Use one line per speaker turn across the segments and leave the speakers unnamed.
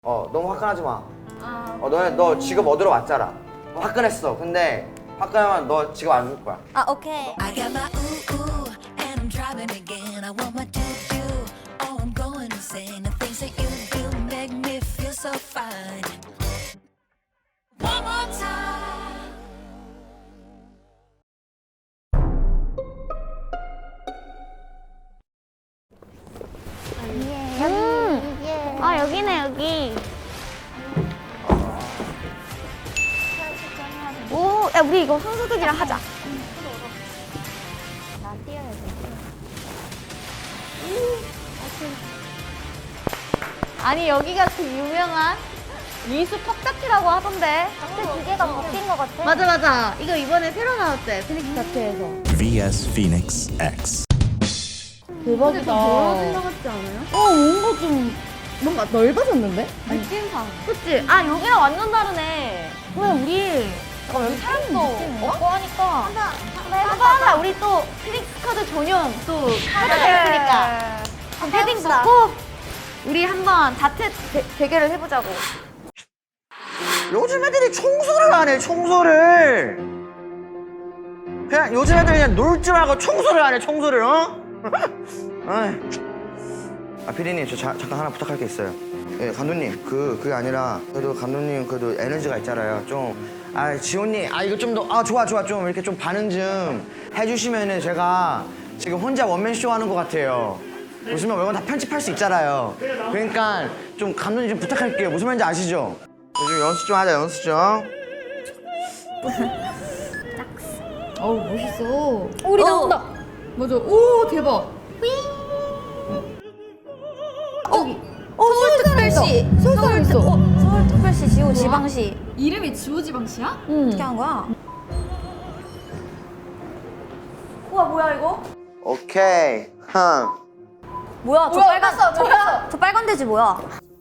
너무 화끈하지 마. 너 직업 얻으러 왔잖아. 화끈했어. 근데 화끈하면 너 직업 안 줄 거야.
아, 오케이.
I got my ooh ooh and I'm driving again. I want my doo doo. Oh, I'm going insane. The things that you do make me feel so fine. One more time.
아, 여기네, 여기. 오, 야, 우리 이거 손소독이랑 하자. 나 뛰어야 돼. 아니, 여기가 그 유명한 미수 컵자키라고 하던데. 근데 기계가 바뀐 것 같아. 맞아, 맞아. 이거 이번에 새로 나왔대, 피닉스 자체에서.
VS Phoenix X.
대박이다. 넓어진 것 같지 않아요? 뭔가 넓어졌는데? 느낌상. 그치? 아, 여기랑 완전 다르네. 그래, 우리. 잠깐, 여기 사람도 없고 하니까. 하나, 우리 또 피닉스 카드 전용 또 카드가 있으니까. 패딩 벗고, 우리 한번 자체 대결을 해보자고.
요즘 애들이 청소를 안 해, 청소를. 그냥 요즘 애들 그냥 놀 줄 알고 청소를 안 해, 청소를, 어? 피디님, 저 잠깐 하나 부탁할 게 있어요. 예, 감독님, 그게 아니라, 그래도 감독님, 그래도 에너지가 있잖아요. 지호님, 이거 좀 더, 좋아, 좀 이렇게 좀 반응 좀 해주시면은 제가 지금 혼자 원맨쇼 하는 것 같아요. 보시면 이건 다 편집할 수 있잖아요. 그러니까 좀 감독님 좀 부탁할게요. 무슨 말인지 아시죠? 요즘 연습 좀 하자, 연습 좀.
어우 멋있어.
우리 나온다.
맞아. 오 대박.
서울특별시.
서울 있어.
서울특별시 지호 지방시.
이름이 지오지방시야?
어떻게 한 거야? 우와, 뭐야 이거?
오케이.
뭐야, 저 빨간 저 빨간 돼지 뭐야?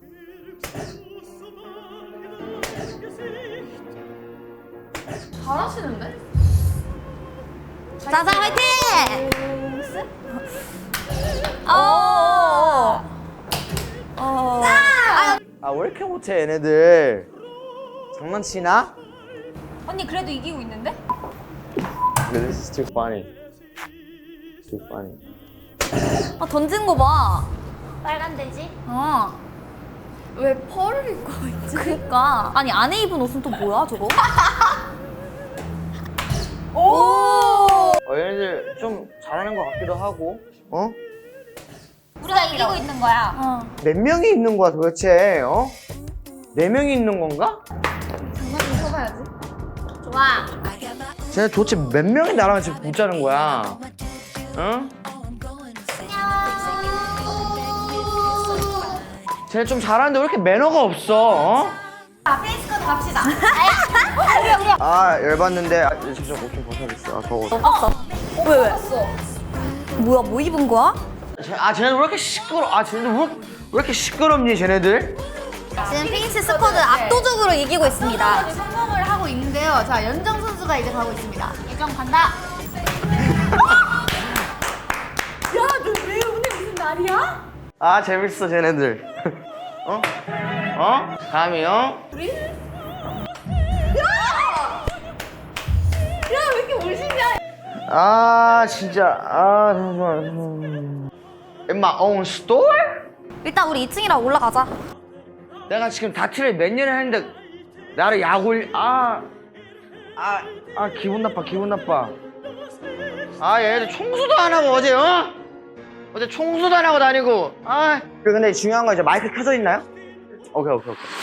잘하시는데?
자자, 화이팅!
왜 이렇게 못해, 얘네들. 장난치나?
언니 그래도 이기고 있는데?
This is too funny. Too funny.
던진 거 봐. 빨간 돼지?
왜 펄을 입고 있지?
그니까. 아니, 안에 입은 옷은 또 뭐야, 저거?
얘네들 좀 잘하는 것 같기도 하고.
우리가 이기고 있는 거야.
몇 명이 있는 거야, 도대체? 네 명이 있는 건가?
장난 좀 쳐봐야지.
좋아.
I got my ooh
쟤네 도대체 몇 명이 나랑 지금 붙자는 거야? 응?
oh, I'm going insane. The things that you do make me feel so fine.
쟤네 좀 잘하는데 왜 이렇게 매너가 없어?
페이스컷 갑시다.
열받는데. 잠시만, 옷 좀 벗어야겠어. 더워.
왜? 뭐야, 뭐 입은 거야?
쟤네들 왜 이렇게 시끄러? 쟤네들 왜 이렇게 시끄럽니, 쟤네들?
지금 피닉스 스쿼드 압도적으로 이기고 있습니다.
성공을 하고 있는데요. 자 연정 선수가 이제 가고 있습니다.
예정 간다.
야너왜 오늘 무슨 날이야?
재밌어, 쟤네들. 감히,
야왜 이렇게 멋있냐?
진짜. 잠깐만. In my own store?
일단 우리 2층이라 올라가자.
내가 지금 다트를 몇 년을 했는데 나를 약올 기분 나빠. 얘네들 청소도 안 하고 어제 청소도 안 하고 다니고. 근데 중요한 건 이제 마이크 켜져 있나요? 오케이.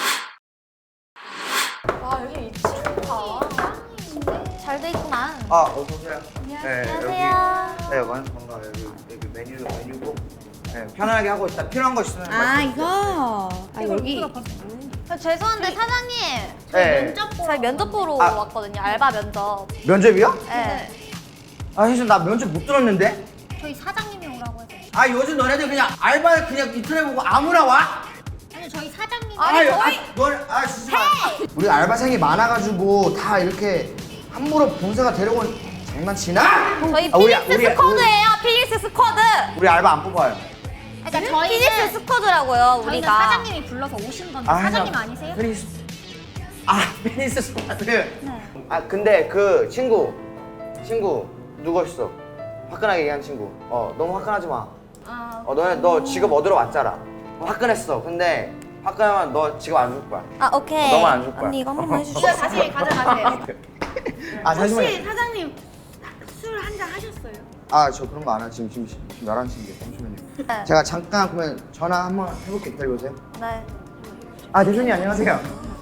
와 여기 2층 좋다.
잘 돼 있구만.
어서 오세요.
안녕하세요.
반가워요. 여기 메뉴고. 편안하게 하고 있다. 필요한 거 있으면
이거. 여기.
죄송한데 사장님,
네.
저희 면접 보러 왔거든요. 알바 면접.
면접이요?
네.
사실 나 면접 못 들었는데.
저희 사장님이 오라고 해서.
요즘 너네들 그냥 알바 그냥 인터넷 보고 아무나 와?
아니, 저희 사장님.
진짜. 우리 알바생이 많아가지고 다 이렇게 함부로 본사가 데려온 장난치나?
저희
우리
필릭스 스쿼드예요. 필릭스 스쿼드.
우리 알바 안 뽑아요.
그러니까
피닉스 스쿼드라고요,
저희는
우리가.
사장님이 불러서 오신 건데 사장님 아니세요?
페니스 스쿼드. 아 근데 그 친구 누구였어? 화끈하게 얘기한 친구. 너무 화끈하지 마. 너 직업 얻으러 왔잖아. 화끈했어. 근데 화끈하면 너 직업 안 줄 거야.
아, 오케이.
너만 안 줄 거야.
언니 이거 한 번만 해주시죠.
이거 다시 가져가세요.
아 잠시만요.
혹시 사장님 술 한 잔 하셨어요?
아 저 그런 거 안 해. 지금 11시인데 잠시만요. 제가 잠깐 그러면 전화 한번 해볼게요. 기다려보세요.
네.
아 대표님 안녕하세요.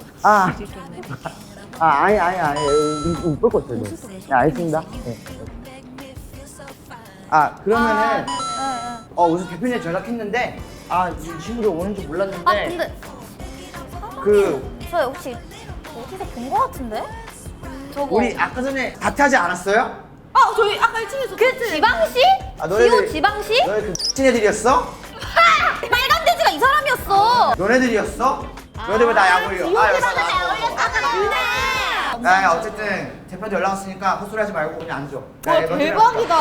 아니 이쁠 거 없어요. 네 알겠습니다. 네. 그러면은 우선 대표님 전화했는데 이 친구들 오는 줄 몰랐는데
아, 근데. 저 혹시 어디서 본 거 같은데? 저거.
우리 아까 전에 다트하지 않았어요?
저희 아까 1층에서
그 지방시?
너네들-
기호 지방시?
너네 그 친애들이었어?
빨간 돼지가 이 사람이었어.
너네들이었어? 너네들 왜 나 약 올려?
근데.
야 어쨌든 대표한테 연락 왔으니까 헛소리 하지 말고 그냥 앉아.
대박이다.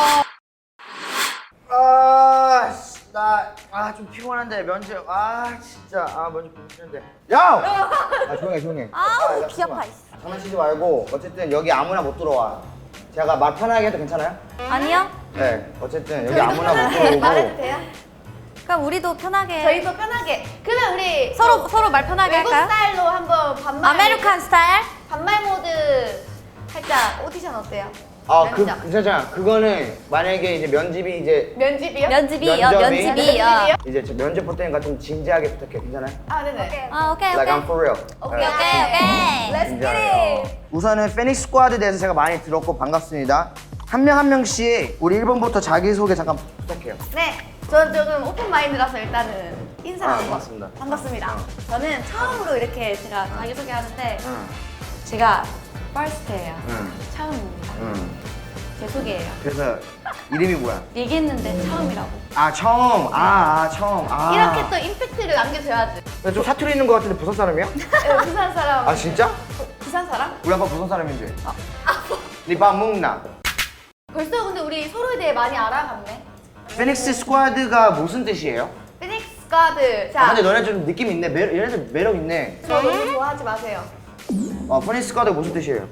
나 좀 피곤한데 면접 진짜 면접 보기 싫은데 야! 조용해
아우, 귀 아파.
장난치지 말고 어쨌든 여기 아무나 못 들어와. 제가 말 편하게 해도 괜찮아요?
아니요?
네 어쨌든 여기 아무나 못 들어오고
말해도 돼요?
그럼 우리도 편하게.
저희도 편하게. 그러면 우리
서로 말 편하게
외국
할까요?
스타일로 한번 반말.
아메리칸 스타일?
반말 모드 살짝 오디션 어때요?
괜찮아. 그거는 만약에 이제 면집이 이제
면집이요?
면집이요, 면집이요.
이제 저 면접 볼 때니까 좀 진지하게 부탁해. 괜찮아요?
네네.
오케이,
Like
오케이.
I'm for real.
오케이.
Let's get it.
우선은 페닉스 스쿼드에 대해서 제가 많이 들었고 반갑습니다. 한 명 한 명씩 우리 1번부터 자기소개 잠깐 부탁해요.
네. 저는 조금 오픈 마인드라서 일단은 인사하고
반갑습니다.
반갑습니다. 저는 처음으로 이렇게 제가 자기소개하는데 제가 퍼스트예요. 처음입니다. 제 소개예요.
그래서 이름이 뭐야?
얘기했는데 처음이라고.
처음. 처음.
이렇게 또 임팩트를 남겨줘야지.
좀 사투리 있는 것 같은데 부산 사람이야?
네, 부산 사람.
진짜?
부산 사람?
우리 아빠 부산 사람인데. 니밥 먹나?
벌써 근데 우리 서로에 대해 많이 알아갔네.
페닉스 스쿼드가 무슨 뜻이에요?
피닉스 가드. 자,
근데 너네 좀 느낌 있네. 얘네들 매력 있네.
저 너무 좋아하지 마세요.
페닉스 스쿼드가 무슨 뜻이에요?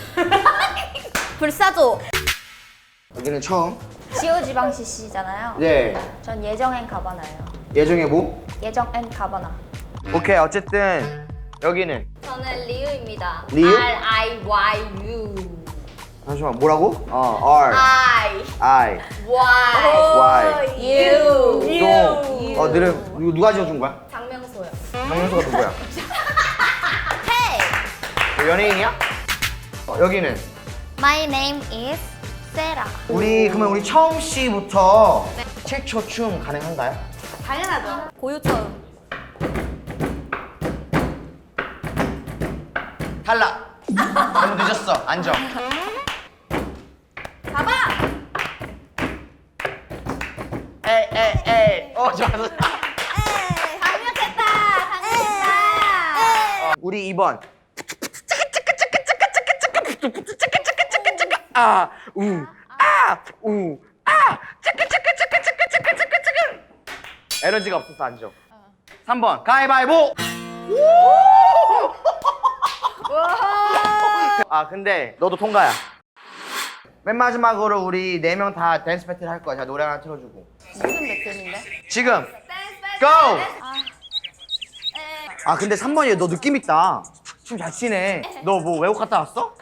불사조.
여기는 처음.
지오 지방시 씨잖아요.
네.
전 예정 앤 가바나예요.
예정의 뭐?
예정 앤 가바나.
오케이 어쨌든 여기는
저는 리우입니다.
리우?
R-I-Y-U.
잠시만 뭐라고? R I Y
U.
또 너네 누가 지어준 거야?
장명소요.
장명수가 누구야?
Hey!
너 연예인이야? 여기는
My name is Sarah.
그러면 우리 처음 씨부터 7초 춤 가능한가요?
당연하죠.
고유처음.
탈락. 너무 늦었어. 앉아.
봐봐.
에이. 좋았어.
강력했다.
우리 2번. 에너지가 없어서 앉아. 3번 가위바위보. 근데 너도 통과야. 맨 마지막으로 우리 4명 다 댄스 배틀 할 거야. 제가 노래 하나 틀어주고.
무슨 배틀인데?
지금 고! 근데 3번이 너 느낌 있다. 춤 잘 추네. 너 뭐 외국 갔다 왔어?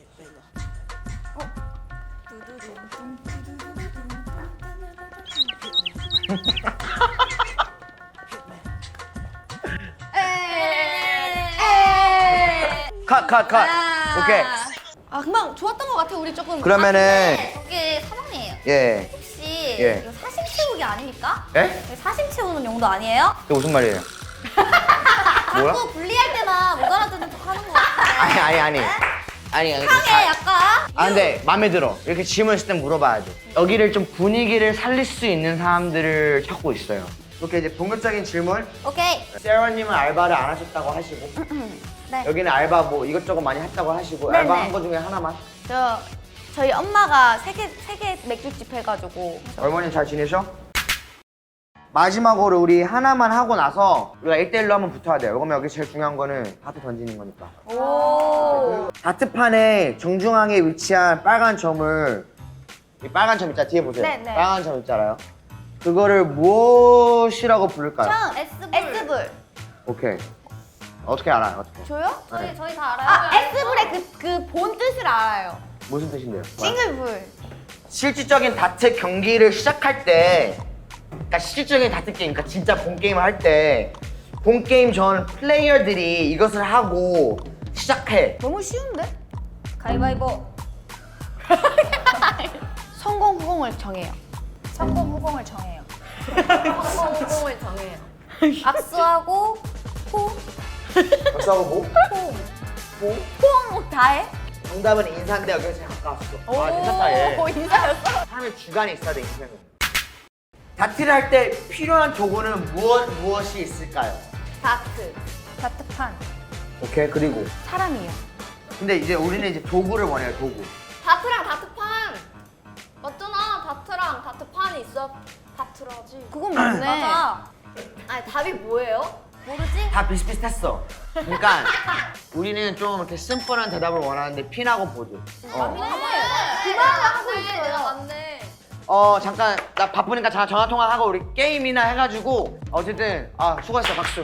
컷. 오케이.
금방 좋았던 것 같아. 우리 조금.
그러면은
저기 사장님.
예.
혹시
예.
이거 사심 채우기 아닙니까?
예?
이거 사심 채우는 용도 아니에요?
이게 무슨 말이에요? 뭐야?
자꾸 분리할 때만 못 알아듣는 척 하는 거 같은데.
아니.
상해 약간.
근데 마음에 들어. 이렇게 질문 있을 땐 물어봐야죠. 여기를 좀 분위기를 살릴 수 있는 사람들을 찾고 있어요. 이렇게 이제 본격적인 질문.
오케이.
세라님은 알바를 안 하셨다고 하시고
네.
여기는 알바 뭐 이것저것 많이 했다고 하시고
네네.
알바 한 거 중에 하나만.
저희 엄마가 세계 맥주집 해가지고.
어머님 잘 지내셔? 마지막으로 우리 하나만 하고 나서 우리가 1대1로 한번 붙어야 돼요. 그러면 여기 제일 중요한 거는 다트 던지는 거니까.
오.
다트판의 정중앙에 위치한 빨간 점을 이 빨간 점 있잖아. 뒤에 보세요.
네, 네.
빨간 점 있잖아요. 그거를 무엇이라고 부를까요?
S불.
오케이. 어떻게 알아요? 어떻게?
저요?
네.
저희 다 알아요.
아, S불의 그 본 뜻을 알아요.
무슨 뜻인데요?
싱글불.
실질적인 다트 경기를 시작할 때, 그러니까 실질적인 다트 게임, 그러니까 진짜 본 게임을 할 때, 본 게임 전 플레이어들이 이것을 하고 시작해.
너무 쉬운데?
가위바위보.
성공 후공을 정해요.
성공 후공을 정해요.
성공 후공을 정해요.
악수하고 포.
박수하고 뭐? 뭐?
포옹 다 해?
정답은 인사인데 여기가 제일 가까웠어. 와, 괜찮다 얘.
오, 인사였어?
사람의 주관이 있어야 돼, 인생은. 다트를 할 때 필요한 도구는 무엇이 있을까요?
다트.
다트판.
오케이, 그리고.
사람이요.
근데 이제 우리는 이제 도구를 원해요, 도구.
다트랑 다트판 맞잖아. 다트랑 다트판이 있어. 다트라지.
그건 맞네.
맞아.
아니 답이 뭐예요?
모르지?
다 비슷비슷했어. 그러니까 우리는 좀 이렇게 심플한 대답을 원하는데 핀하고 보드.
그만을 하고 있어요. 내가 맞네.
잠깐 나 바쁘니까 잠깐 전화 통화하고 우리 게임이나 해가지고 어쨌든 수고했어 박수.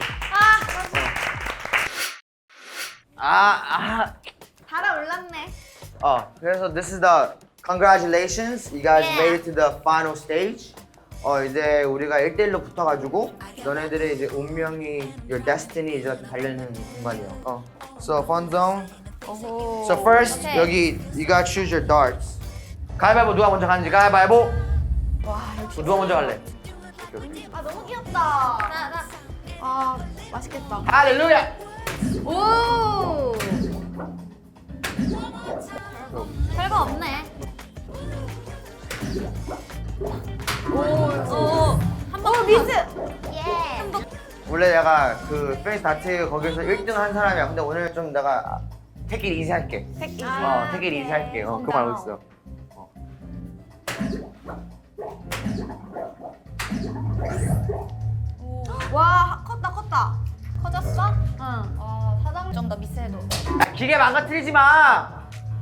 달아올랐네.
그래서 this is the congratulations, you guys
Yeah.
made it to the final stage. 이제 우리가 1대1로 붙어가지고 너네들의 이제 운명이 your destiny 이제 달리는 공간이요. So fun zone. So first
오케이.
여기 you gotta choose your darts. 가위바위보 누가 먼저 가는지 가위바위보.
와, 역시.
누가 먼저 갈래?
아, 너무 귀엽다. 아, 맛있겠다.
할렐루야.
오!
별거 없네.
미스!
예.
원래 내가 그 페이스 다트 거기서 1등 한 사람이야. 근데 오늘 좀 내가 take it easy 할게.
택
take it easy 할게. 그거 알고 있어.
와, 컸다.
커졌어?
응.
사장 좀 더 미세해도.
야, 기계 망가뜨리지 마.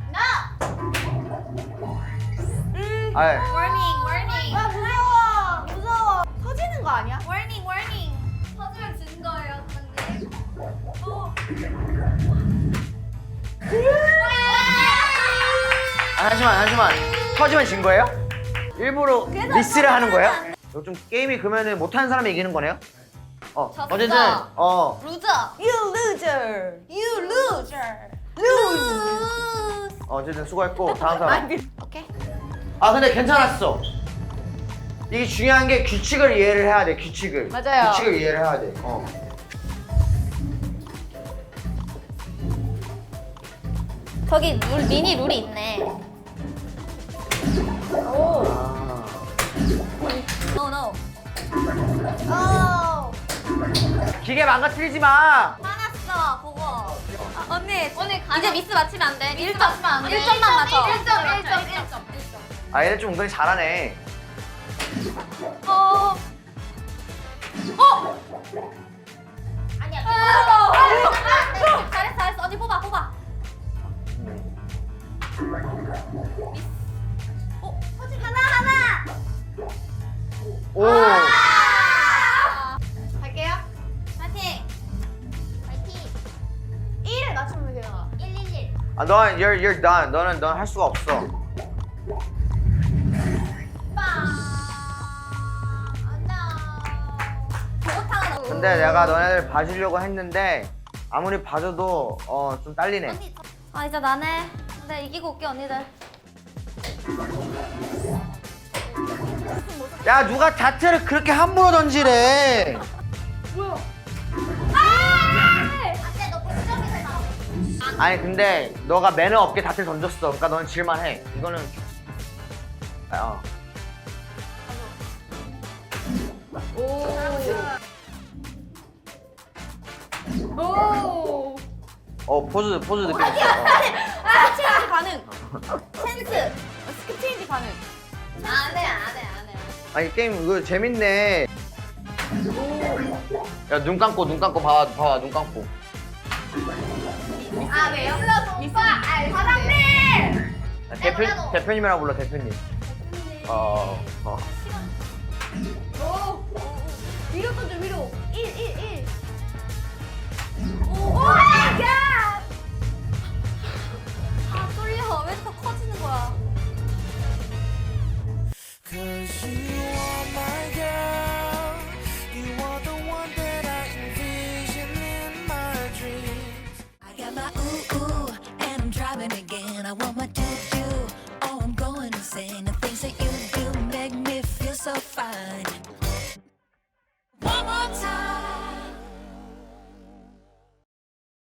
아이,
워닝.
와, 무서워. 터지는 거 아니야?
워닝. 터지면 지는 거예요, 사장님.
잠시만. 터지면 진 거예요? 일부러 미스를 하는 거예요? 이거 좀 게임이 그러면은 못하는 사람이 이기는 거네요? 어쨌든
루저.
You loser. You loser. Lose.
어쨌든 수고했고 다음 사람.
오케이.
근데 괜찮았어. 이게 중요한 게 규칙을 이해를 해야 돼. 규칙을.
맞아요.
규칙을 이해를 해야 돼.
저기 미니 룰이 있네. No.
기계 망가뜨리지 마.
화났어, 보고. 언니 이제 미스 맞히면 안 돼. 1점 맞히면 안 돼. 1점만 맞춰. 1점.
얘들 좀 은근히 잘하네.
아니야. 잘했어. 언니 뽑아. 하나.
오.
갈게요.
파이팅.
1을 맞추면 돼요.
111.
넌 you're done. 너는 할 수가 없어. 근데 내가 너네들 봐주려고 했는데 아무리 봐줘도 좀 딸리네.
언니. 이제 나네. 근데 이기고 올게 언니들.
야 누가 다트를 그렇게 함부로 던지래.
안돼 너 100점이잖아.
아니 근데 너가 매너 없게 다트를 던졌어. 그러니까 너는 질만해. 이거는 포즈 느낌 있어.
스킵 체인지 가능.
센스.
스킵 체인지 가능.
안돼.
아니 게임 이거 재밌네. 야 눈 감고 봐봐 눈 감고.
아 왜요? 미스 과장님.
대표님이라고 불러 대표님.
위로 던져 위로. 1. 오 마이 갓. 아 쏠려. 왜 더 커지는 거야?
Cause you are my girl. You are the one that I envision in my dreams.
I got my ooh, and I'm driving again. I want my do. Oh, I'm going insane. The things that you do make me feel so fine.